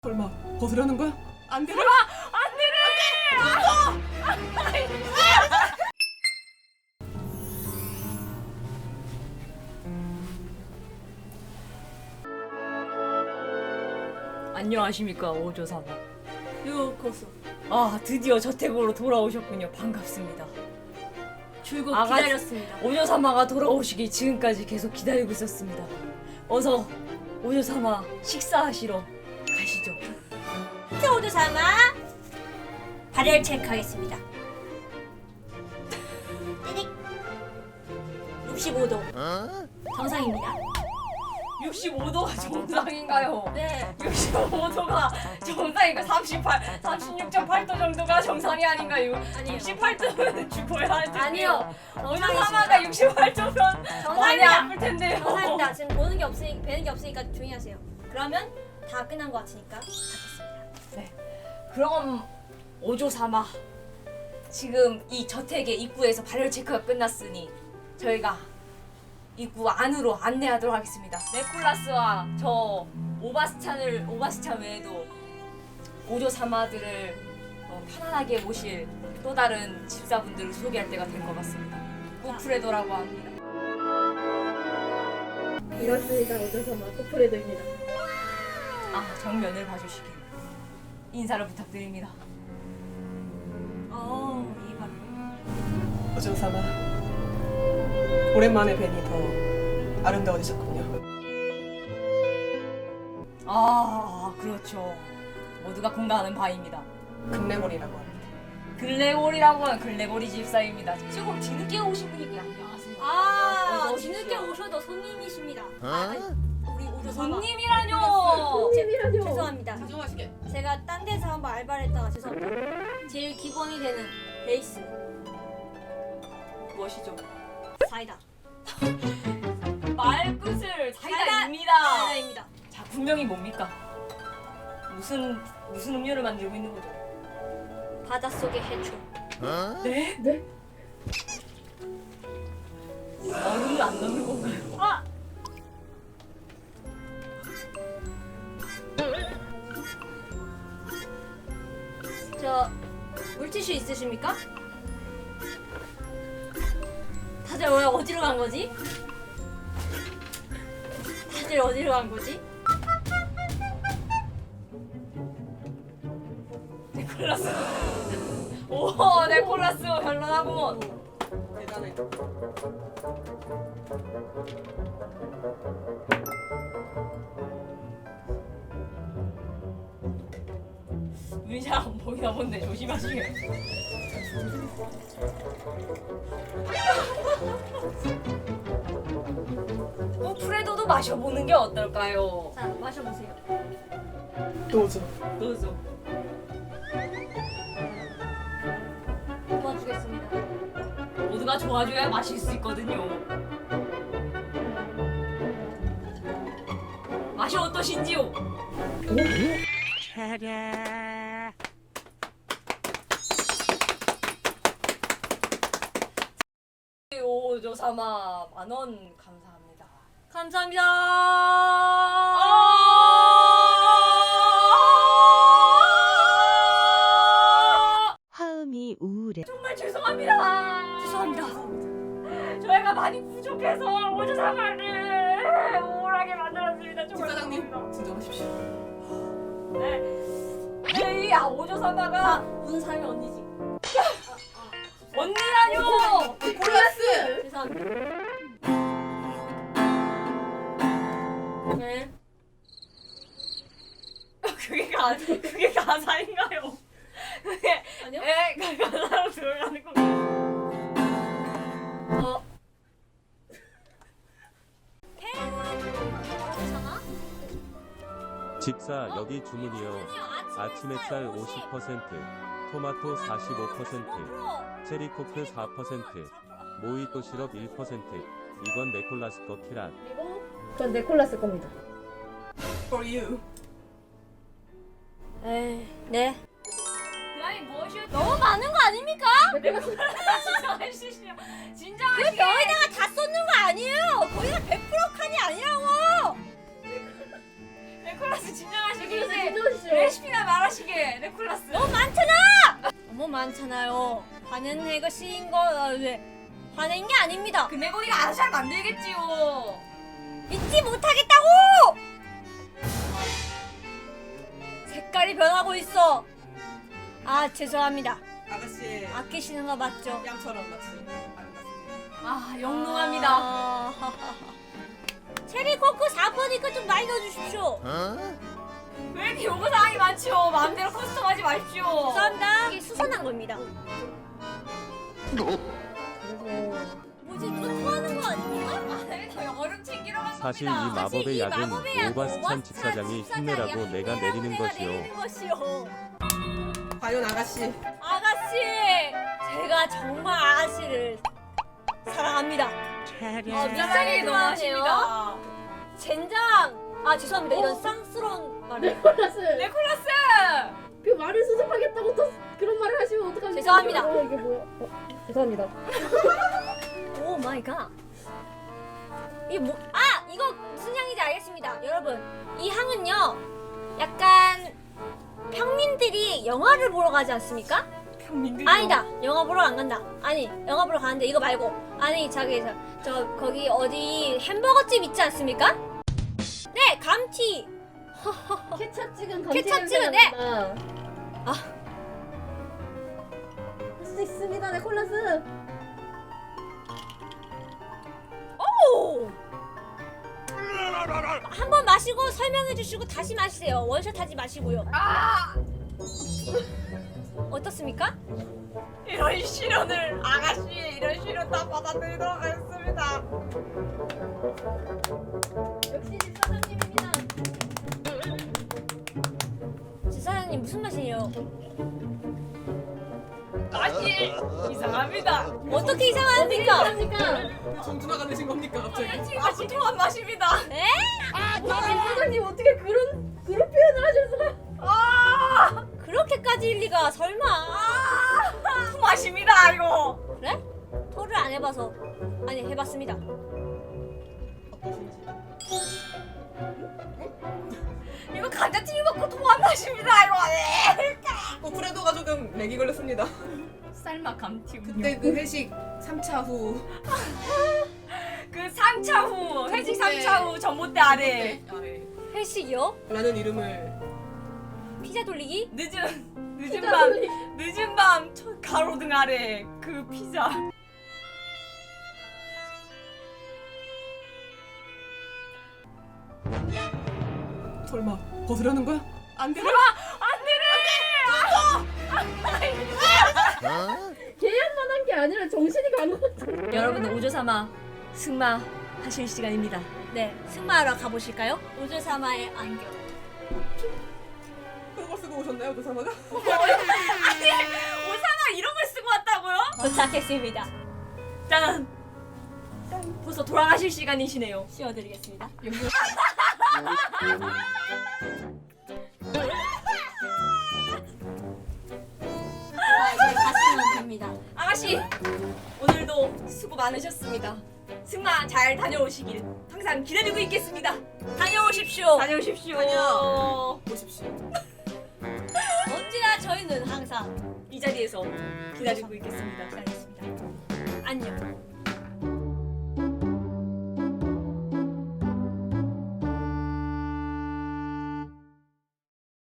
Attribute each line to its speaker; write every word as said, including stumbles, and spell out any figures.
Speaker 1: 설마 벗으려는 거야? 안 돼!
Speaker 2: 설마 안 되래! 안 돼! 안녕하십니까 오조사마.
Speaker 3: 요코소.
Speaker 2: 아 드디어 저택으로 돌아오셨군요. 반갑습니다.
Speaker 3: 출국
Speaker 2: 아가씨.
Speaker 3: 기다렸습니다.
Speaker 2: 오조사마가 돌아오시기 지금까지 계속 기다리고 있었습니다. 어서 오조사마 식사하시러 가시죠.
Speaker 3: 오조사마 발열 체크하겠습니다. 띠릭. 육십오 도 정상입니다.
Speaker 2: 육십오 도가 정상인가요?
Speaker 3: 네.
Speaker 2: 육십오 도가 정상인가? 삼십팔, 삼십육 점 팔 도 정도가 정상이 아닌가요?
Speaker 3: 아니요.
Speaker 2: 육십팔 도면 죽어야 할 텐데요.
Speaker 3: 아니요.
Speaker 2: 오조사마가 육십팔 도면 많이
Speaker 3: 정상입니다.
Speaker 2: 아플 텐데요.
Speaker 3: 정상입니다. 지금 보는 게 없으니 뵈는 게 없으니까 조용히 하세요. 그러면 다 끝난 것 같으니까 닫겠습니다.
Speaker 2: 그럼 오조사마 지금 이 저택의 입구에서 발열 체크가 끝났으니 저희가 입구 안으로 안내하도록 하겠습니다. 네콜라스와 저 오바스찬을 오바스찬 외에도 오조사마들을 어, 편안하게 모실 또 다른 집사분들을 소개할 때가 된 것 같습니다. 우프레도라고 합니다.
Speaker 3: 이렇습니다. 오조사마 코프레도입니다.
Speaker 2: 아 정면을 봐주시길 인사를 부탁드립니다.
Speaker 3: 어, 이 바로.
Speaker 1: 오조사마 오랜만에 뵈니 더 아름다워지셨군요.
Speaker 2: 아 그렇죠. 모두가 공감하는 바입니다.
Speaker 1: 금레몰이라고 합니다.
Speaker 2: 글레고리라고 하는 글레고리 집사입니다. 조금 뒤늦게 오신 분이긴 안녕하세요.
Speaker 3: 아,
Speaker 2: 어서 오십시오.
Speaker 3: 뒤늦게 오셔도 손님이십니다. 아, 우리 오조사마.
Speaker 2: 손님이라뇨.
Speaker 3: 제, 죄송합니다.
Speaker 1: 진정하시게.
Speaker 3: 제가 딴 데서 한번 알바를 했다가 죄송합니다. 제일 기본이 되는 베이스
Speaker 2: 무엇이죠?
Speaker 3: 사이다.
Speaker 2: 말끝을
Speaker 3: 사이다.
Speaker 2: 사이다입니다.
Speaker 3: 사이다입니다.
Speaker 2: 자 분명히 뭡니까? 무슨 무슨 음료를 만들고 있는 거죠?
Speaker 3: 바닷속의 해초.
Speaker 2: 네? 네? 얼음을 안 넣는 건가요?
Speaker 3: 아! 저 물티슈 있으십니까? 다들 왜 어디로 간 거지? 다들 어디로 간 거지?
Speaker 2: 네콜라스. 오 네콜라스 현란하구먼.
Speaker 1: 대단해.
Speaker 2: 눈이 잘 안 보이나 본데 조심하시게. 어, 프레도도 마셔보는 게 어떨까요?
Speaker 3: 자, 마셔보세요.
Speaker 1: 도저.
Speaker 2: 도저.
Speaker 3: 도와주겠습니다.
Speaker 2: 모두가 좋아줘야 마실 수 있거든요. 맛이 어떠신지요? 오조사마 만원 감사합니다.
Speaker 3: 감사합니다.
Speaker 4: 화음이 우울해.
Speaker 2: 정말 죄송합니다.
Speaker 3: 죄송합니다.
Speaker 2: 저희가 많이 부족해서 오조사마를 우울하게 만들었습니다. 정말
Speaker 1: 집사장님
Speaker 2: 죄송합니다.
Speaker 1: 진정하십시오.
Speaker 2: 네. 네, 이 아, 오조사마가
Speaker 3: 운 살면 언니지.
Speaker 2: 언니라뇨.
Speaker 1: 콜라스.
Speaker 3: 죄송합니다. 네.
Speaker 2: 그게 가 그게 가사인가요? 그게
Speaker 3: 아니요?
Speaker 2: 에 가- 가사로 들어가는 거.
Speaker 3: 어. 괜찮아?
Speaker 5: 집사 여기 주문이요. 아침 햇살 오십 퍼센트, 토마토 사십오 퍼센트, 체리코크 사 퍼센트, 모히또 시럽 일 퍼센트. 이건 네콜라스 거 키란.
Speaker 3: 그리고
Speaker 2: 전 네콜라스 겁니다.
Speaker 1: For you.
Speaker 3: 에이, 네.
Speaker 2: 그라이 무엇이요?
Speaker 3: 너무 많은 거 아닙니까?
Speaker 2: 진정하시죠. 진정하시게.
Speaker 3: 그 병에다가 다 쏟는 거 아니에요. 거기가 백 퍼센트 칸이 아니라고.
Speaker 2: 네콜라스 진정하시게
Speaker 3: 네콜라스
Speaker 2: 이제
Speaker 3: 진정하시죠.
Speaker 2: 레시피나 말하시게 네콜라스.
Speaker 3: 너무 많잖아. 너무 많잖아요. 화낸 것인 거 어, 네. 화낸 게 아닙니다.
Speaker 2: 그 내고니가 알아서 잘 만들겠지요.
Speaker 3: 믿지 못하겠다고. 색깔이 변하고 있어. 아 죄송합니다.
Speaker 1: 아가씨
Speaker 3: 아끼시는 거 맞죠?
Speaker 1: 양처럼 마치 아름답습니다.
Speaker 2: 아 영롱합니다.
Speaker 3: 아, 체리 코코 사 번이니까 좀 많이 넣어주십시오.
Speaker 2: 왜 이렇게 요구사항이 많죠? 마음대로 커스텀하지 마십시오.
Speaker 3: 죄송합니다. 이게 수선한 겁니다. 뭐지? 누가 토하는 거 아닙니까?
Speaker 2: 아, 네, 저희 얼음 챙기러 간
Speaker 5: 사실 이
Speaker 2: 겁니다.
Speaker 5: 마법의
Speaker 3: 이
Speaker 5: 약은
Speaker 3: 마법의 약,
Speaker 5: 오바스찬 집사장이 힘내라고 내가 내리는
Speaker 3: 내가
Speaker 5: 것이요.
Speaker 3: 내리는 것이요.
Speaker 1: 과연 아가씨
Speaker 3: 아가씨, 제가 정말 아가씨를 사랑합니다. 아,
Speaker 2: 사랑이
Speaker 3: 미사리 좋아하네요.
Speaker 2: 너무하십니다.
Speaker 3: 젠장. 아 죄송합니다. 이런 쌍스러운 말을.
Speaker 4: 네콜라스
Speaker 2: 네콜라스!
Speaker 4: 그 말을 수습하겠다고 또 그런 말을 하시면 어떡합니까?
Speaker 3: 죄송합니다.
Speaker 4: 어, 이게 뭐야? 어, 죄송합니다.
Speaker 3: 오 마이 갓. 이게 뭐? 아 이거 무슨 향인지 알겠습니다. 여러분 이 향은요 약간 평민들이 영화를 보러 가지 않습니까?
Speaker 2: 평민들.
Speaker 3: 아니다. 영화 보러 안 간다. 아니 영화 보러 가는데 이거 말고 아니 저기 저, 저 거기 어디 햄버거집 있지 않습니까? 네 감튀.
Speaker 4: 케찹 찍은
Speaker 3: 케찹
Speaker 4: 감튀
Speaker 3: 찍은,
Speaker 4: 냄새가
Speaker 3: 네.
Speaker 4: 난다.
Speaker 3: 아.
Speaker 4: 할 수 있습니다, 네콜라스.
Speaker 3: 오. 한 번 마시고 설명해 주시고 다시 마시세요. 원샷 하지 마시고요.
Speaker 2: 아!
Speaker 3: 어떻습니까?
Speaker 2: 이런 시련을 아가씨 이런 시련 다 받아들이도록 하겠습니다.
Speaker 4: 역시 집사장님입니다.
Speaker 3: 지사장님 무슨 맛이에요?
Speaker 2: 맛이 이상합니다.
Speaker 3: 어떻게 이상합니까?
Speaker 4: 그러니까
Speaker 1: 정준하가 되신 겁니까 갑자기?
Speaker 2: 맛이 통한 맛입니다.
Speaker 3: 에?
Speaker 4: 집사장님 어떻게 그런 그런 표현을 하실 수가?
Speaker 2: 아!
Speaker 3: 그렇게까지일 리가 설마.
Speaker 2: 아! 맛입니다 이거.
Speaker 3: 그래? 토를 안 해봐서. 아니 해봤습니다.
Speaker 2: 이거 감자튀김 먹고 통한 맛입니다 이거.
Speaker 1: 오프레도가 조금 렉이 걸렸습니다.
Speaker 2: 쌀맛 감튀.
Speaker 1: 그때 그 회식 삼 차 후
Speaker 2: 그 삼 차 후 회식 삼 차 후 전봇대 아래
Speaker 1: 아래
Speaker 3: 회식이요?
Speaker 1: 라는 이름을
Speaker 3: 피자 돌리기?
Speaker 2: 늦은 늦은 밤 늦은 밤 첫 가로등 아래 그 피자.
Speaker 1: 설마 벗으려는 거야? 안 돼.
Speaker 4: 계약만 한 게 아니라 정신이 간 것 같아.
Speaker 3: 여러분들 오조사마 승마 하실 시간입니다. 네, 승마하러 가보실까요? 오조사마의 안경.
Speaker 1: 그거 쓰고 오셨나요, 조사마가?
Speaker 2: 아니 오사마 이런 걸 쓰고 왔다고요?
Speaker 3: 도착했습니다.
Speaker 2: 짠. 벌써 돌아가실 시간이시네요.
Speaker 3: 씌워드리겠습니다. 자, 이제 가시면 됩니다.
Speaker 2: 아가씨 오늘도 수고 많으셨습니다. 승마 잘 다녀오시길 항상 기다리고 있겠습니다.
Speaker 3: 다녀오십시오.
Speaker 2: 다녀오십시오.
Speaker 1: 다녀. 보십시오.
Speaker 3: 언제나 저희는 항상
Speaker 2: 이 자리에서 기다리고 있겠습니다.
Speaker 3: 기다리겠습니다.